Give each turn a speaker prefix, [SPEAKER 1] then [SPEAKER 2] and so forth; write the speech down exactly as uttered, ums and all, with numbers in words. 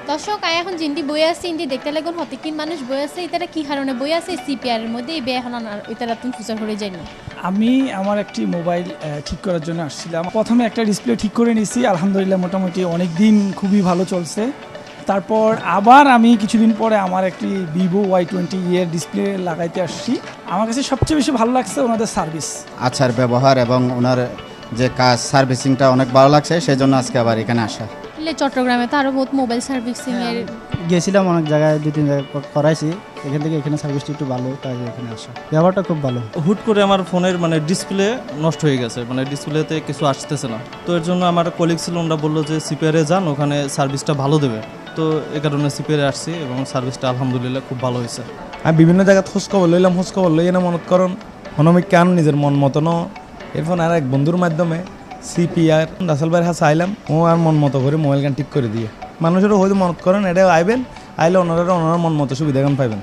[SPEAKER 1] দর্শক আয় এখন জিন্দি বই আছে ইন্দি দেখতে লাগুন হতিকিন মানুষ বই আছে এটারা কি কারণে বই আছে সিপিআর এর মধ্যে এই বে এখন এটারা তুমি ফুচার করে যায়নি।
[SPEAKER 2] আমি আমার একটি মোবাইল ঠিক করার জন্য আসছিলাম। প্রথমে একটা ডিসপ্লে ঠিক করে নিয়েছি, আলহামদুলিল্লাহ মোটামুটি অনেক দিন খুবই ভালো চলছে। তারপর আবার আমি কিছুদিন পরে আমার একটি ভিভো ওয়াই টোয়েন্টি এর ডিসপ্লে লাগাইতে আসছি। আমার কাছে সবচেয়ে বেশি ভালো লাগছে ওনাদের সার্ভিস,
[SPEAKER 3] আচার ব্যবহার এবং ওনার যে কাজ সার্ভিসিংটা অনেক ভালো লাগছে, সেই জন্য আজকে আবার এখানে আসা।
[SPEAKER 1] চট্টগ্রামে তো আরো বহুত মোবাইল সার্ভিসিং এর
[SPEAKER 4] গেছিলাম, অনেক জায়গায় দুই তিন জায়গায় করাইছি, এখান থেকে এখানে সার্ভিসটা একটু ভালো, তাই এখানে আসা। ব্যবহারটা খুব ভালো।
[SPEAKER 5] হুট করে আমার ফোনের মানে ডিসপ্লে নষ্ট হয়ে গেছে, মানে ডিসপ্লেতে কিছু আসতেছে না। তো এর জন্য আমার কলিগ ছিল, ওরা বললো যে সিপিআরে যান, ওখানে সার্ভিসটা ভালো দেবে। তো এ কারণে সিপিআরে আসছি এবং সার্ভিসটা আলহামদুলিল্লাহ খুব ভালো হয়েছে।
[SPEAKER 6] আমি বিভিন্ন জায়গায় খোঁজ খবর লইলাম, খোঁজ খবর লই না মনত করুন হনমিক কান নিজের মন মতন। এরপর আর এক বন্ধুর মাধ্যমে সিপিআর রাসেল ভাইয়ের হাতে আইলাম, ও আর মন মতো করে মোবাইল গান ঠিক করে দিয়ে মানুষেরও হয়তো মনত করেন এটা আইবেন, আইলে ওনারা ওনারা মন মতো সুবিধা গান পাইবেন।